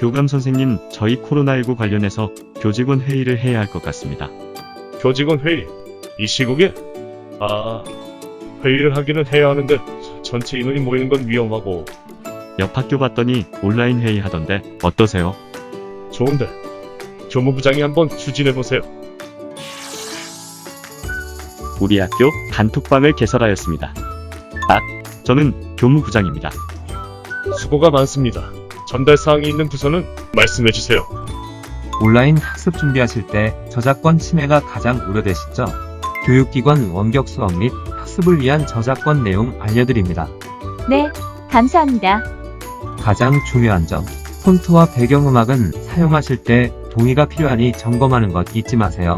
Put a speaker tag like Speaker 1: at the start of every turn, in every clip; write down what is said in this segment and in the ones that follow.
Speaker 1: 교감 선생님, 저희 코로나19 관련해서 교직원 회의를 해야 할 것 같습니다.
Speaker 2: 교직원 회의? 이 시국에? 회의를 하기는 해야 하는데 전체 인원이 모이는 건 위험하고.
Speaker 1: 옆 학교 봤더니 온라인 회의 하던데 어떠세요?
Speaker 2: 좋은데 교무부장이 한번 추진해보세요.
Speaker 1: 우리 학교 단톡방을 개설하였습니다. 저는 교무부장입니다.
Speaker 2: 수고가 많습니다. 전달사항이 있는 부서는 말씀해주세요.
Speaker 3: 온라인 학습 준비하실 때 저작권 침해가 가장 우려되시죠? 교육기관 원격 수업 및 학습을 위한 저작권 내용 알려드립니다.
Speaker 4: 네, 감사합니다.
Speaker 3: 가장 중요한 점, 폰트와 배경음악은 사용하실 때 동의가 필요하니 점검하는 것 잊지 마세요.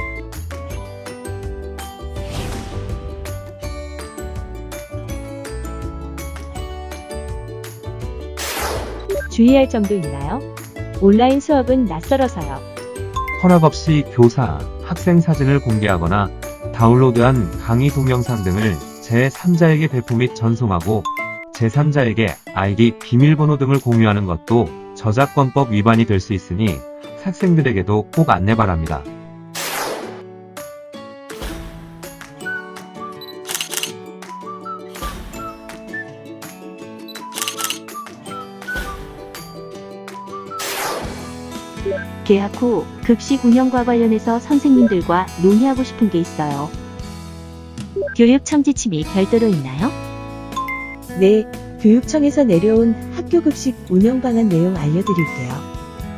Speaker 4: 주의할 점도 있나요? 온라인 수업은 낯설어서요.
Speaker 3: 허락 없이 교사, 학생 사진을 공개하거나 다운로드한 강의 동영상 등을 제3자에게 배포 및 전송하고 제3자에게 아이디, 비밀번호 등을 공유하는 것도 저작권법 위반이 될 수 있으니 학생들에게도 꼭 안내 바랍니다.
Speaker 4: 개학 후 급식 운영과 관련해서 선생님들과 논의하고 싶은 게 있어요. 교육청 지침이 별도로 있나요?
Speaker 5: 네, 교육청에서 내려온 학교급식 운영 방안 내용 알려드릴게요.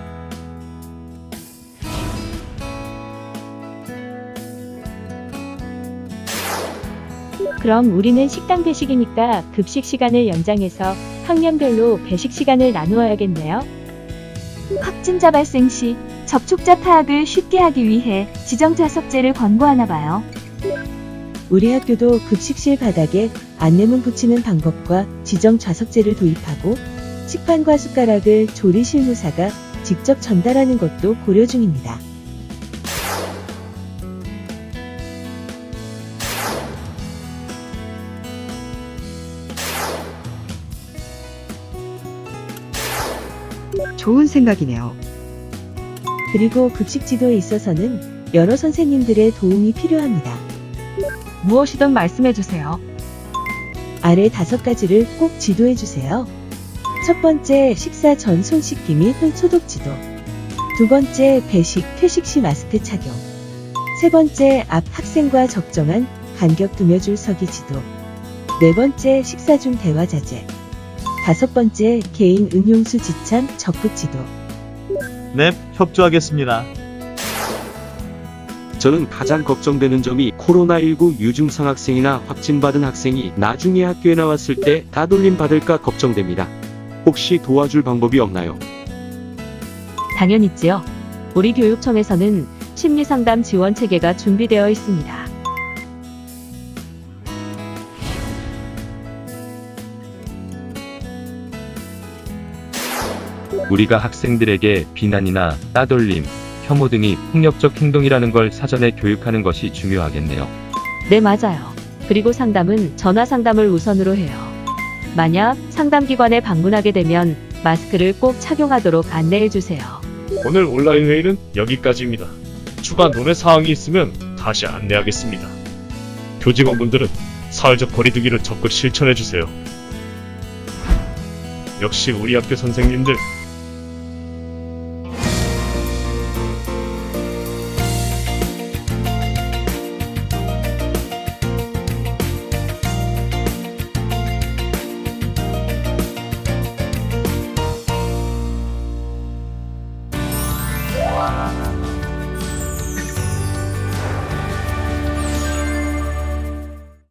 Speaker 4: 그럼 우리는 식당 배식이니까 급식 시간을 연장해서 학년별로 배식 시간을 나누어야겠네요. 확진자 발생 시 접촉자 파악을 쉽게 하기 위해 지정 좌석제를 권고하나 봐요.
Speaker 5: 우리 학교도 급식실 바닥에 안내문 붙이는 방법과 지정 좌석제를 도입하고 식판과 숟가락을 조리 실무사가 직접 전달하는 것도 고려 중입니다.
Speaker 6: 좋은 생각이네요.
Speaker 5: 그리고 급식 지도에 있어서는 여러 선생님들의 도움이 필요합니다.
Speaker 4: 무엇이든 말씀해주세요.
Speaker 5: 아래 5가지를 꼭 지도해주세요. 첫 번째, 식사 전 손 씻기 및 소독 지도. 두 번째, 배식, 퇴식 시 마스크 착용. 세 번째, 앞 학생과 적정한 간격 두며 줄 서기 지도. 네 번째, 식사 중 대화 자제. 다섯 번째, 개인 음용수 지참 적극 지도.
Speaker 7: 네, 협조하겠습니다.
Speaker 8: 저는 가장 걱정되는 점이 코로나19 유증상 학생이나 확진받은 학생이 나중에 학교에 나왔을 때 따돌림 받을까 걱정됩니다. 혹시 도와줄 방법이 없나요?
Speaker 4: 당연 있지요. 우리 교육청에서는 심리상담 지원 체계가 준비되어 있습니다.
Speaker 9: 우리가 학생들에게 비난이나 따돌림, 혐오 등이 폭력적 행동이라는 걸 사전에 교육하는 것이 중요하겠네요.
Speaker 4: 네, 맞아요. 그리고 상담은 전화 상담을 우선으로 해요. 만약 상담기관에 방문하게 되면 마스크를 꼭 착용하도록 안내해주세요.
Speaker 2: 오늘 온라인 회의는 여기까지입니다. 추가 논의 사항이 있으면 다시 안내하겠습니다. 교직원분들은 사회적 거리두기를 적극 실천해주세요. 역시 우리 학교 선생님들